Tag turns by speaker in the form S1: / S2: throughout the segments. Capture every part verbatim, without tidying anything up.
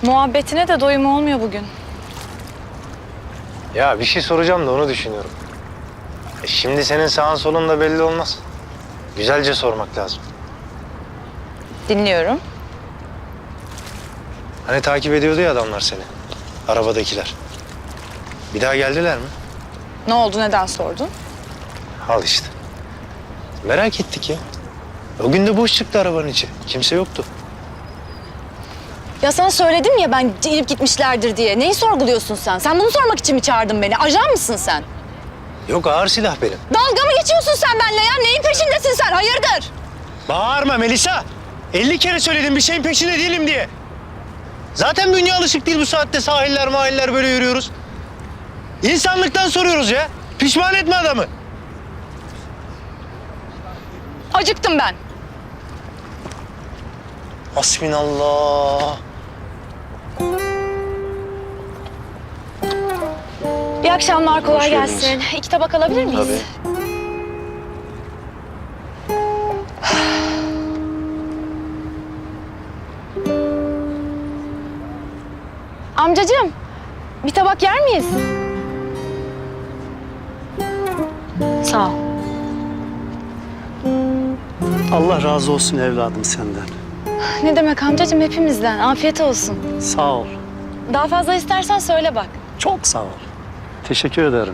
S1: Muhabbetine de doyum olmuyor bugün.
S2: Ya bir şey soracağım da onu düşünüyorum. E şimdi senin sağın solun da belli olmaz. Güzelce sormak lazım.
S1: Dinliyorum.
S2: Hani takip ediyordu ya adamlar seni. Arabadakiler. Bir daha geldiler mi?
S1: Ne oldu, neden sordun?
S2: Al işte. Merak ettik ya. O gün de boş çıktı arabanın içi. Kimse yoktu.
S3: Ya sana söyledim ya ben inip gitmişlerdir diye. Neyi sorguluyorsun sen? Sen bunu sormak için mi çağırdın beni? Ajan mısın sen?
S2: Yok, ağır silah benim.
S3: Dalga mı geçiyorsun sen benimle ya? Neyin peşindesin sen? Hayırdır?
S2: Bağırma Melisa. elli kere söyledim bir şeyin peşinde değilim diye. Zaten bünye alışık değil bu saatte sahiller mahiller böyle yürüyoruz. İnsanlıktan soruyoruz ya. Pişman etme adamı.
S3: Acıktım ben.
S2: Hasbinallah.
S3: İyi akşamlar, kolay
S2: Hoş geldiniz.
S3: gelsin. İki tabak alabilir miyiz?
S2: Tabii.
S3: Amcacığım, bir tabak yer miyiz? Sağ ol.
S4: Allah razı olsun evladım senden.
S3: Ne demek amcacığım, hepimizden. Afiyet olsun.
S4: Sağ ol.
S3: Daha fazla istersen söyle bak.
S4: Çok sağ ol. Teşekkür ederim.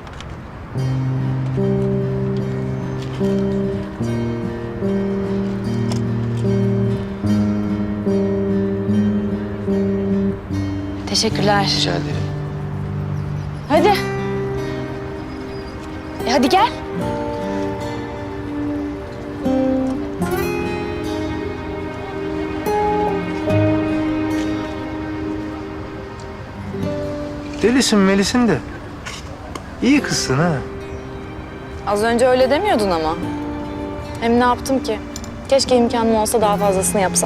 S3: Teşekkürler.
S2: Rica ederim.
S3: Hadi. E hadi gel.
S2: Delisin Melis'in de. İyi kızsın ha.
S1: Az önce öyle demiyordun ama. Hem ne yaptım ki? Keşke imkanım olsa daha fazlasını yapsam.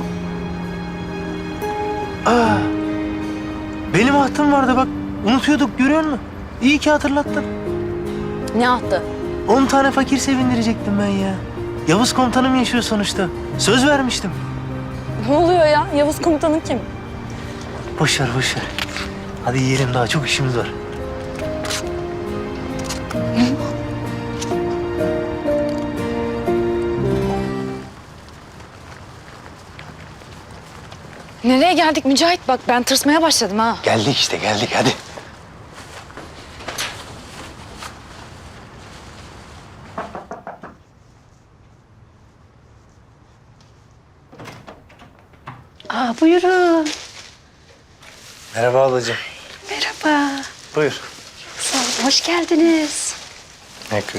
S2: Aa, benim ahtım vardı bak. Unutuyorduk, görüyor musun? İyi ki hatırlattın.
S1: Ne attı?
S2: On tane fakir sevindirecektim ben ya. Yavuz komutanım yaşıyor sonuçta. Söz vermiştim.
S1: Ne oluyor ya? Yavuz komutanın kim?
S2: Boş ver, boş ver. Hadi yiyelim, daha çok işimiz var.
S1: Nereye geldik Mücahit? Bak ben tırsmaya başladım ha.
S2: Geldik işte, geldik hadi.
S5: Aa, buyurun.
S2: Merhaba ablacığım.
S5: Merhaba.
S2: Buyur.
S5: Sağ olun, hoş geldiniz.
S2: Ekran.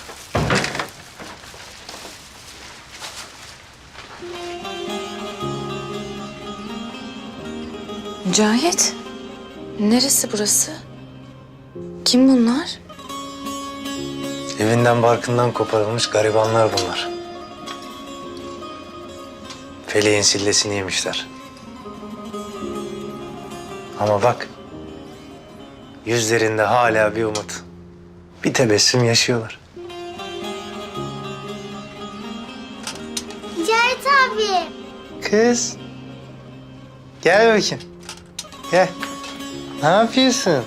S1: Mücahit. Neresi burası? Kim bunlar?
S2: Evinden barkından koparılmış garibanlar bunlar. Feleğin sillesini yemişler. Ama bak, yüzlerinde hala bir umut, bir tebessüm yaşıyorlar.
S6: Cahit abi.
S2: Kız, gel bakayım. Gel. Ne yapıyorsun?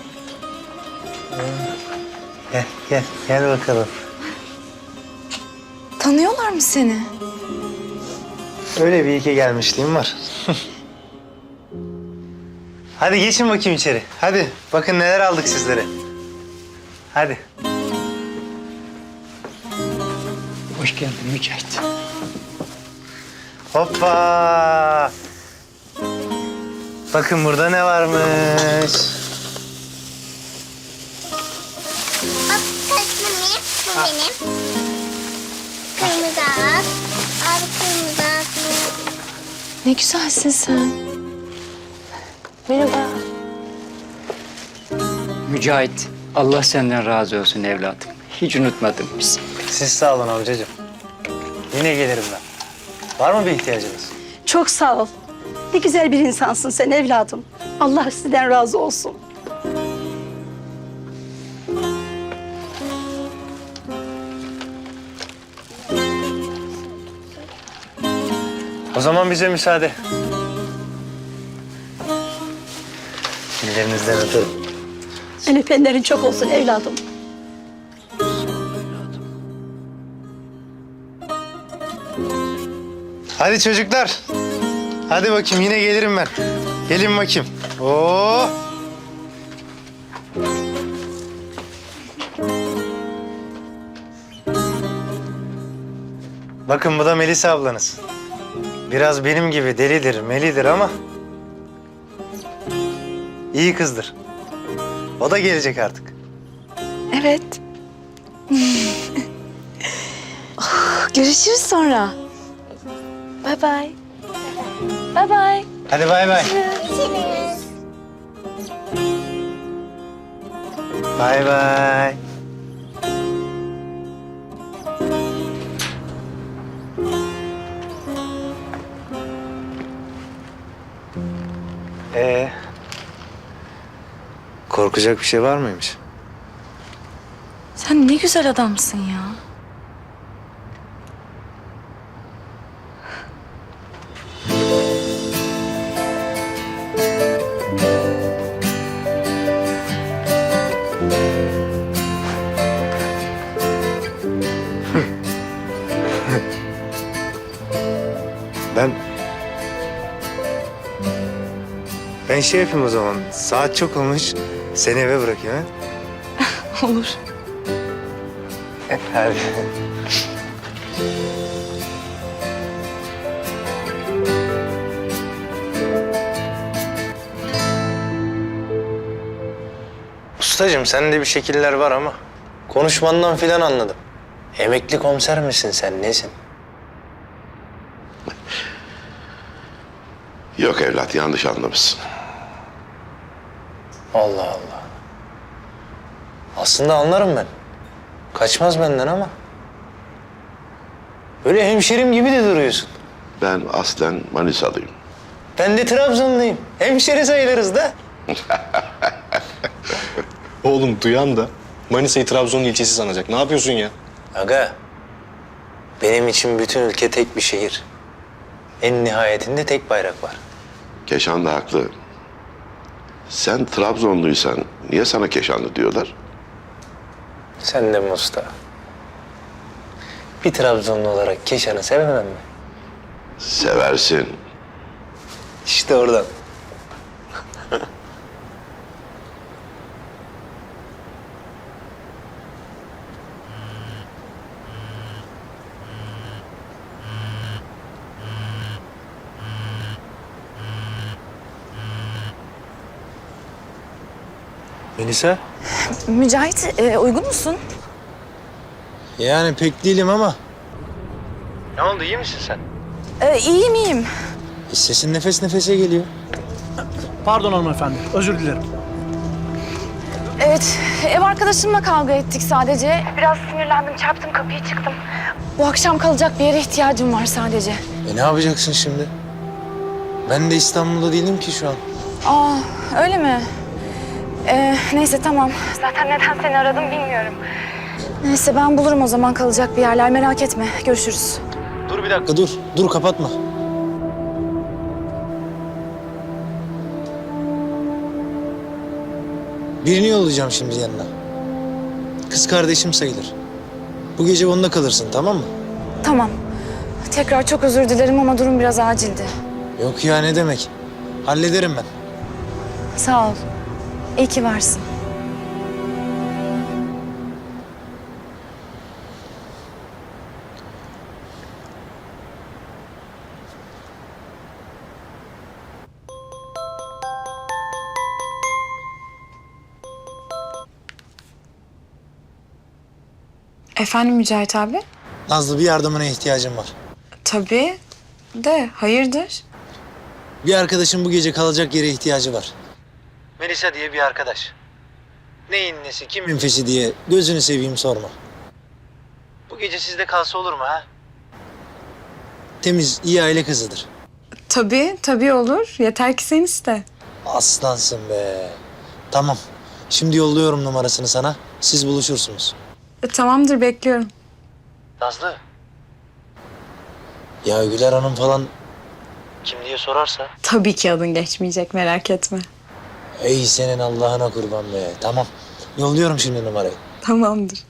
S2: Gel, gel, gel bakalım.
S1: Tanıyorlar mı seni?
S2: Öyle bir iki gelmişliğim var. Hadi geçin bakayım içeri. Hadi bakın neler aldık sizlere. Hadi.
S4: Hoş geldin Mücahit.
S2: Hoppa. Bakın burada ne varmış.
S6: Bak kaşmir. Bu benim. Kırmızı ağaç. Abi kırmızı ağaç.
S1: Ne güzelsin sen. Merhaba.
S7: Mücahit, Allah senden razı olsun evladım. Hiç unutmadım bizi.
S2: Siz sağ olun amcacığım. Yine gelirim ben. Var mı bir ihtiyacınız?
S5: Çok sağ ol. Ne güzel bir insansın sen evladım. Allah sizden razı olsun.
S2: O zaman bize müsaade. Ellerinizden öperim.
S5: El öpenlerin çok olsun evladım.
S2: Hadi çocuklar. Hadi bakayım yine gelirim ben. Gelin bakayım. Oo. Bakın bu da Melisa ablanız. Biraz benim gibi delidir, melidir ama iyi kızdır. O da gelecek artık.
S1: Evet. Görüşürüz sonra. Bye bye. Bye bye.
S2: Hadi bay bay.
S6: Görüşürüz.
S2: Bay bay. Ee, korkacak bir şey var mıymış?
S1: Sen ne güzel adamsın ya.
S2: Ben... Ben şey yapayım o zaman. Saat çok olmuş. Seni eve bırakayım ha?
S1: Olur.
S2: Hadi. Ustacığım sende bir şekiller var ama konuşmandan filan anladım. Emekli komiser misin sen, nesin?
S8: Yok evlat, yanlış anlamışsın.
S2: Allah Allah. Aslında anlarım ben. Kaçmaz benden ama. Böyle hemşerim gibi de duruyorsun.
S8: Ben aslen Manisalıyım.
S2: Ben de Trabzonluyum. Hemşeri sayılırız da.
S9: Oğlum duyan da Manisa'yı Trabzon ilçesi sanacak. Ne yapıyorsun ya?
S2: Aga, benim için bütün ülke tek bir şehir. En nihayetinde tek bayrak var.
S8: Keşan da haklı. Sen Trabzonluysan niye sana Keşanlı diyorlar?
S2: Sen de mi usta? Bir Trabzonlu olarak Keşan'ı sevemem mi?
S8: Seversin.
S2: İşte oradan. Melisa?
S1: Mücahit, e, uygun musun?
S2: Yani pek değilim ama. Ne oldu, iyi misin sen?
S1: E, iyiyim, iyiyim.
S2: Sesin nefes nefese geliyor.
S4: Pardon hanımefendi, özür dilerim.
S1: Evet, ev arkadaşımla kavga ettik sadece. Biraz sinirlendim, çarptım kapıyı, çıktım. Bu akşam kalacak bir yere ihtiyacım var sadece.
S2: E ne yapacaksın şimdi? Ben de İstanbul'da değilim ki şu an.
S1: Aa, öyle mi? Ee, neyse tamam. Zaten neden seni aradım bilmiyorum. Neyse ben bulurum o zaman kalacak bir yerler, merak etme. Görüşürüz.
S2: Dur bir dakika, dur. Dur, kapatma. Birini yollayacağım şimdi yanına. Kız kardeşim sayılır. Bu gece onunla kalırsın, tamam mı?
S1: Tamam. Tekrar çok özür dilerim ama durum biraz acildi.
S2: Yok ya, ne demek? Hallederim ben.
S1: Sağ ol. İyi ki varsın. Efendim Mücahit abi?
S2: Nazlı, bir yardımına ihtiyacım var.
S1: Tabii de hayırdır?
S2: Bir arkadaşım bu gece kalacak yere ihtiyacı var. Melisa diye bir arkadaş. Neyin nesi, kimin fesi diye gözünü seveyim sorma. Bu gece sizde kalsa olur mu ha? Temiz, iyi aile kızıdır.
S1: Tabii, tabii olur. Yeter ki sen iste.
S2: Aslansın be. Tamam. Şimdi yolluyorum numarasını sana. Siz buluşursunuz.
S1: E, tamamdır, bekliyorum.
S2: Nazlı. Ya Güler Hanım falan kim diye sorarsa?
S1: Tabii ki adın geçmeyecek, merak etme.
S10: Ey senin Allah'ına kurban be. Tamam. Yolluyorum şimdi numarayı.
S3: Tamamdır.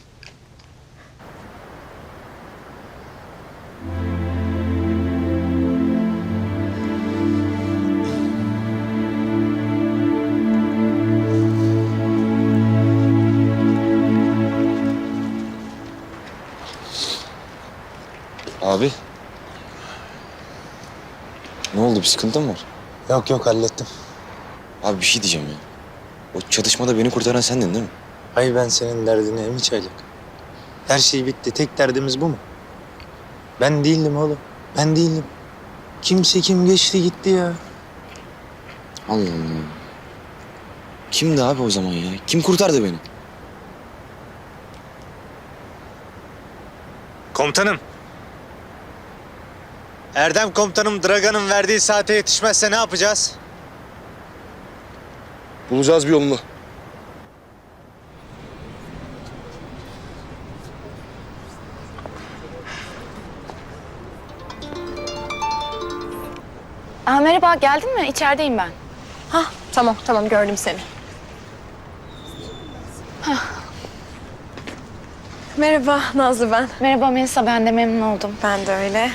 S9: Abi. Ne oldu? Bir sıkıntın mı var?
S10: Yok yok hallettim.
S9: Abi bir şey diyeceğim ya. O çatışmada beni kurtaran sendin değil mi?
S10: Ay ben senin derdine mi çaylık? Her şey bitti. Tek derdimiz bu mu? Ben değildim oğlum. Ben değildim. Kimse kim geçti gitti ya.
S9: Allah Allah. Kimdi abi o zaman ya? Kim kurtardı beni?
S10: Komutanım. Erdem komutanım Dragan'ın verdiği saate yetişmezse ne yapacağız?
S8: Bulacağız bir yolunu.
S1: Aa, merhaba, geldin mi? İçerideyim ben.
S3: Hah, tamam tamam gördüm seni. Merhaba Nazlı ben.
S1: Merhaba Melisa, ben de memnun oldum.
S3: Ben de öyle.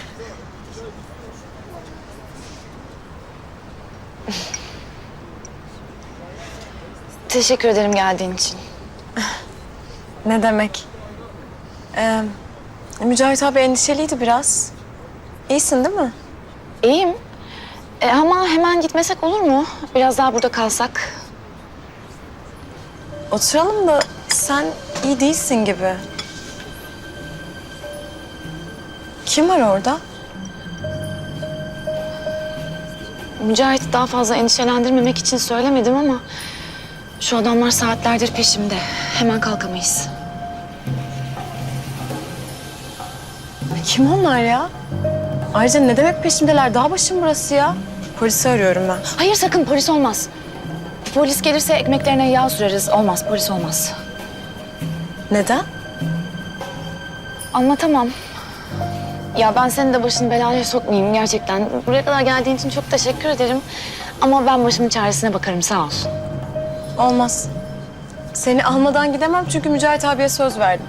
S1: Teşekkür ederim geldiğin için.
S3: Ne demek? Ee, Mücahit abi endişeliydi biraz. İyisin değil mi?
S1: İyiyim. E, ama hemen gitmesek olur mu? Biraz daha burada kalsak.
S3: Oturalım da sen iyi değilsin gibi. Kim var orada?
S1: Mücahit'i daha fazla endişelendirmemek için söylemedim ama... şu adamlar saatlerdir peşimde. Hemen kalkamayız.
S3: Kim onlar ya? Ayrıca ne demek peşimdeler? Dağ başım burası ya. Polisi arıyorum ben.
S1: Hayır sakın, polis olmaz. Polis gelirse ekmeklerine yağ süreriz. Olmaz, polis olmaz.
S3: Neden?
S1: Anlatamam. Ya ben senin de başını belaya sokmayayım gerçekten. Buraya kadar geldiğin için çok teşekkür ederim. Ama ben başımın çaresine bakarım, sağ ol.
S3: Olmaz. Seni almadan gidemem çünkü Mücahit abiye söz verdim.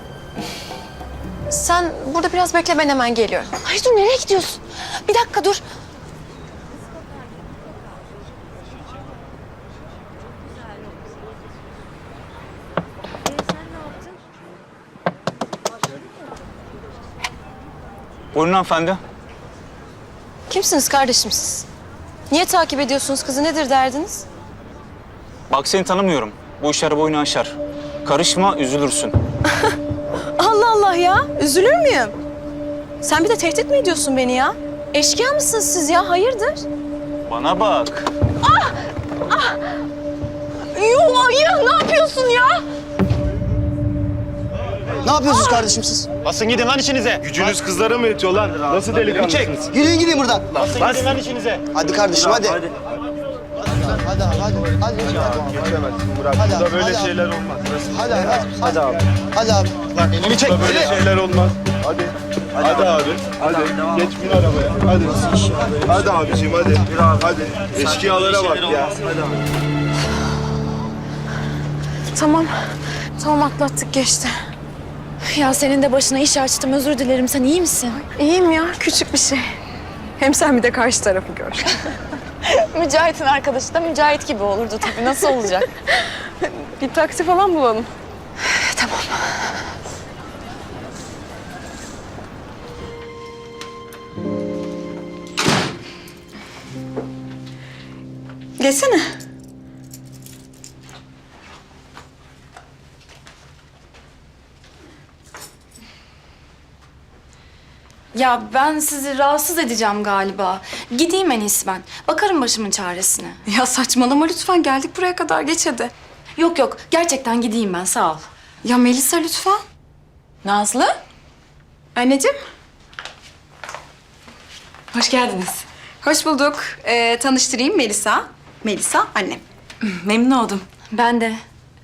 S3: Sen burada biraz bekle, ben hemen geliyorum.
S1: Hayır dur, nereye gidiyorsun? Bir dakika dur.
S11: Buyurun hanımefendi.
S3: Kimsiniz kardeşim siz? Niye takip ediyorsunuz kızı? Nedir derdiniz?
S11: Bak seni tanımıyorum. Bu işler boyunu aşar. Karışma, üzülürsün.
S3: Allah Allah ya. Üzülür müyüm? Sen bir de tehdit mi ediyorsun beni ya? Eşkıya mısınız siz ya? Hayırdır?
S11: Bana bak.
S3: Yuh ya, ne yapıyorsun ya?
S10: Ne yapıyorsunuz kardeşim siz?
S2: Basın gidin lan işinize.
S8: Gücünüz kızlara mı yetiyor lan? Nasıl delikanlısınız?
S10: Yürüyün gidin buradan.
S2: Basın gidin lan işinize.
S10: Hadi kardeşim hadi. Hadi hadi hadi. Hadi
S8: Geçemezsin Murat.
S10: Hadi
S8: Burada
S10: abi,
S8: böyle
S10: hadi abi.
S8: şeyler olmaz.
S10: hadi hadi. Hadi abi. Hadi abi.
S8: Bak
S10: elimi çek.
S8: Burada böyle
S10: Hadi.
S8: şeyler olmaz. Hadi. Hadi, abi. Hadi. Geç bin arabaya. Hadi. Hadi abiciğim hadi. Hadi. Eşkıyalara bak ya. Hadi abi.
S3: Tamam. Tamam atlattık, geçti.
S1: Ya senin de başına iş açtım, özür dilerim. Sen iyi misin?
S3: İyiyim ya, küçük bir şey. Hem sen bir de karşı tarafı gör.
S1: Mücahit'in arkadaşı da Mücahit gibi olurdu tabii. Nasıl olacak?
S3: Bir taksi falan bulalım.
S1: Tamam.
S3: Geçsene.
S1: Ya ben sizi rahatsız edeceğim galiba. Gideyim en iyisi ben. Bakarım başımın çaresine.
S3: Ya saçmalama lütfen, geldik buraya kadar, geç hadi.
S1: Yok yok, gerçekten gideyim ben, sağ ol.
S3: Ya Melisa lütfen.
S1: Nazlı?
S3: Anneciğim.
S1: Hoş geldiniz.
S3: Hoş bulduk. Ee, tanıştırayım, Melisa. Melisa annem.
S1: Memnun oldum. Ben de.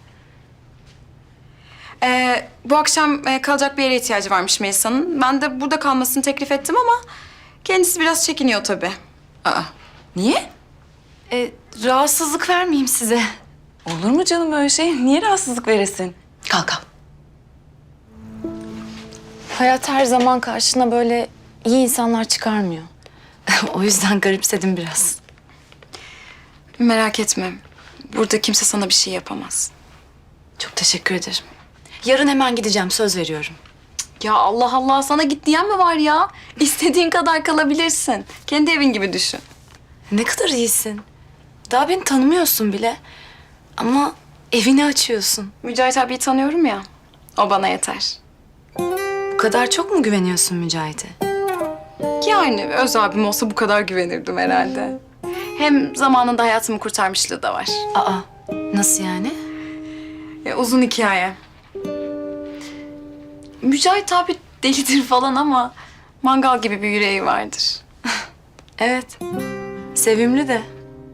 S3: Ee, bu akşam e, kalacak bir yere ihtiyacı varmış Melisa'nın. Ben de burada kalmasını teklif ettim ama kendisi biraz çekiniyor tabii.
S1: Aa, niye? E, rahatsızlık vermeyeyim size.
S3: Olur mu canım öyle şey? Niye rahatsızlık veresin? Kalk kalk.
S1: Hayat her zaman karşına böyle iyi insanlar çıkarmıyor. O yüzden garipsedim biraz.
S3: Merak etme. Burada kimse sana bir şey yapamaz.
S1: Çok teşekkür ederim. Yarın hemen gideceğim, söz veriyorum.
S3: Ya Allah Allah, sana git diyen mi var ya? İstediğin kadar kalabilirsin. Kendi evin gibi düşün.
S1: Ne kadar iyisin. Daha beni tanımıyorsun bile. Ama evini açıyorsun.
S3: Mücahit abiyi tanıyorum ya. O bana yeter.
S1: Bu kadar çok mu güveniyorsun Mücahit'e?
S3: Yani öz abim olsa bu kadar güvenirdim herhalde. Hem zamanında hayatımı kurtarmışlığı da var.
S1: Aa, nasıl yani?
S3: Ya, uzun hikaye. Mücahit abi delidir falan ama mangal gibi bir yüreği vardır.
S1: Evet. Sevimli de.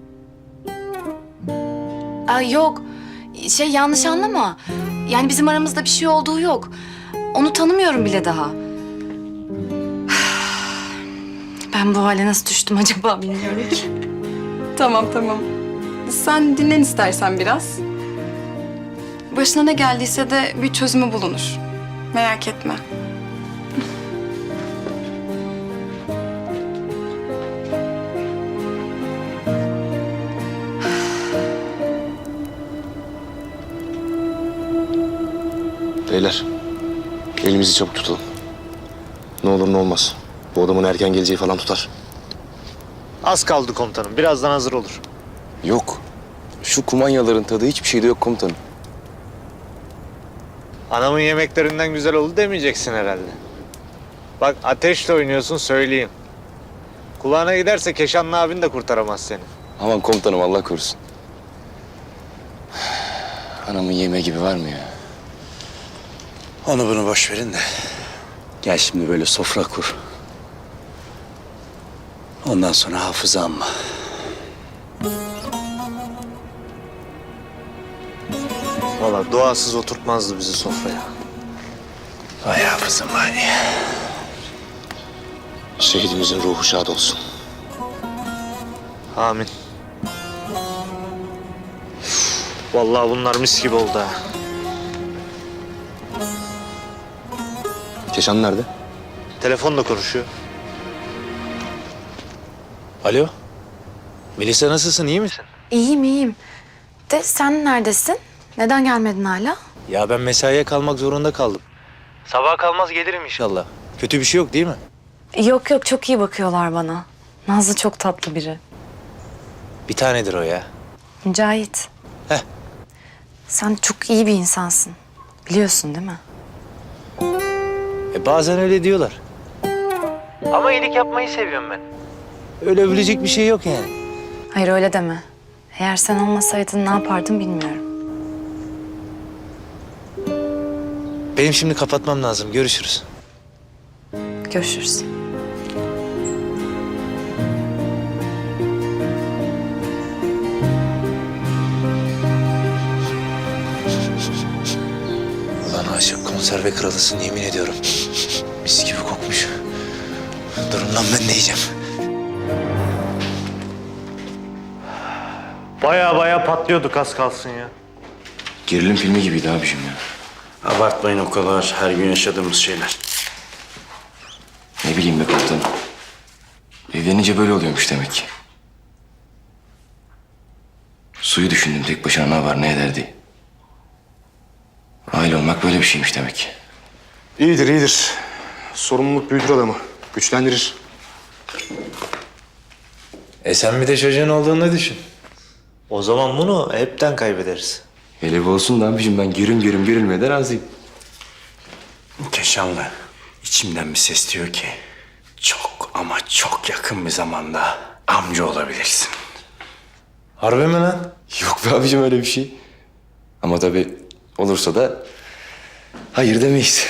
S1: Aa, yok. Şey, yanlış anlama. Yani bizim aramızda bir şey olduğu yok. Onu tanımıyorum bile daha. Ben bu hale nasıl düştüm acaba bilmiyorum ki.
S3: Tamam tamam. Sen dinlen istersen biraz. Başına ne geldiyse de bir çözümü bulunur. Merak etme.
S8: Beyler, elimizi çabuk tutalım. Ne olur ne olmaz. Bu adamın erken geleceği falan tutar.
S2: Az kaldı komutanım. Birazdan hazır olur.
S9: Yok. Şu kumanyaların tadı hiçbir şeyde yok komutanım.
S2: Anamın yemeklerinden güzel oldu demeyeceksin herhalde. Bak ateşle oynuyorsun söyleyeyim. Kulağına giderse Keşanlı abin de kurtaramaz seni.
S9: Aman komutanım Allah korusun. Anamın yemeği gibi var mı ya?
S10: Onu bunu boş verin de. Gel şimdi böyle sofra kur. Ondan sonra hafıza amma.
S2: Valla duasız oturtmazdı bizi sofraya.
S10: Vay hafızım vay.
S8: Şehidimizin ruhu şad olsun.
S2: Amin. Vallahi bunlar mis gibi oldu ha.
S8: Keşan nerede?
S2: Telefonla konuşuyor.
S10: Alo. Melisa nasılsın, iyi misin?
S1: İyiyim, iyiyim. De sen neredesin? Neden gelmedin hala?
S10: Ya ben mesaiye kalmak zorunda kaldım. Sabah kalmaz gelirim inşallah. Kötü bir şey yok değil mi?
S1: Yok yok, çok iyi bakıyorlar bana. Nazlı çok tatlı biri.
S10: Bir tanedir o ya.
S1: Mücahit.
S10: Heh.
S1: Sen çok iyi bir insansın. Biliyorsun değil mi?
S10: E bazen öyle diyorlar. Ama iyilik yapmayı seviyorum ben. Öyle övülecek bir şey yok yani.
S1: Hayır öyle deme. Eğer sen olmasaydın ne yapardım bilmiyorum.
S10: Benim şimdi kapatmam lazım. Görüşürüz.
S1: Görüşürüz.
S10: Ulan aşık konserve kralısın yemin ediyorum. Mis gibi kokmuş. Durun lan ben de yiyeceğim.
S2: Baya baya patlıyorduk az kalsın ya.
S9: Gerilim filmi gibiydi abiciğim ya.
S10: Abartmayın o kadar. Her gün yaşadığımız şeyler.
S9: Ne bileyim be komutanım. Evlenince böyle oluyormuş demek ki. Suyu düşündüm tek başına ne var ne eder diye. Aile olmak böyle bir şeymiş demek ki.
S8: İyidir iyidir. Sorumluluk büyütür adamı. Güçlendirir.
S10: E sen bir de çocuğun olduğunu düşün.
S2: O zaman bunu hepten kaybederiz.
S9: Hele bu olsun da abiciğim ben gürüm gürüm gürülmeye de razıyım.
S10: Keşanlı, içimden bir ses diyor ki... ...çok ama çok yakın bir zamanda amca olabilirsin. Harbi mi lan?
S9: Yok be abiciğim öyle bir şey. Ama tabii olursa da hayır demeyiz.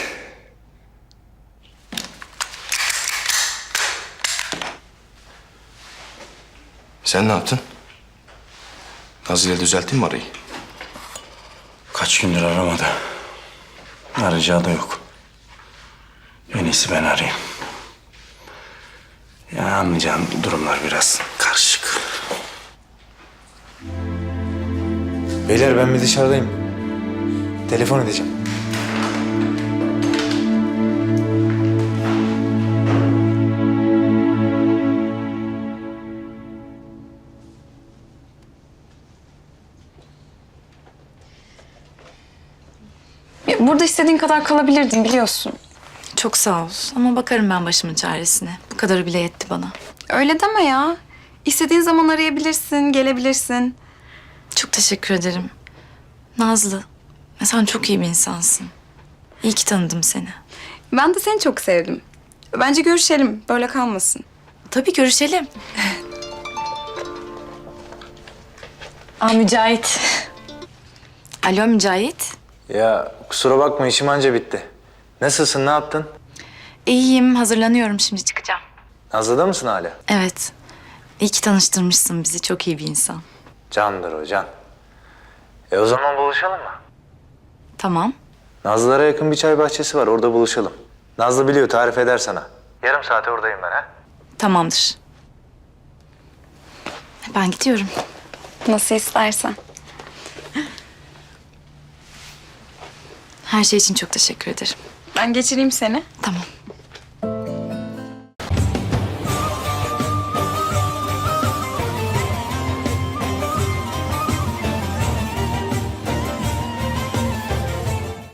S9: Sen ne yaptın? Nazlı ile düzelttin mi arayı?
S10: Kaç gündür aramadı. Arayacağı da yok. En iyisi ben arayayım. Ya anlayacağın durumlar biraz karışık. Beyler ben bir dışarıdayım. Telefon edeceğim.
S3: Ya, burada istediğin kadar kalabilirdin biliyorsun.
S1: Çok sağ ol ama bakarım ben başımın çaresine. Bu kadarı bile yetti bana.
S3: Öyle deme ya. İstediğin zaman arayabilirsin, gelebilirsin.
S1: Çok teşekkür ederim. Nazlı, sen çok iyi bir insansın. İyi ki tanıdım seni.
S3: Ben de seni çok sevdim. Bence görüşelim, böyle kalmasın.
S1: Tabii görüşelim. Aa Mücahit. Alo Mücahit.
S10: Ya kusura bakma işim anca bitti. Nasılsın, ne yaptın?
S1: İyiyim, hazırlanıyorum şimdi çıkacağım.
S10: Nazlı'da mısın hala?
S1: Evet. İyi ki tanıştırmışsın bizi. Çok iyi bir insan.
S10: Candır o, can. E o zaman buluşalım mı?
S1: Tamam.
S10: Nazlılara yakın bir çay bahçesi var, orada buluşalım. Nazlı biliyor, tarif eder sana. Yarım saate oradayım ben ha.
S1: Tamamdır. Ben gidiyorum.
S3: Nasıl istersen.
S1: Her şey için çok teşekkür ederim.
S3: Ben geçireyim seni.
S1: Tamam.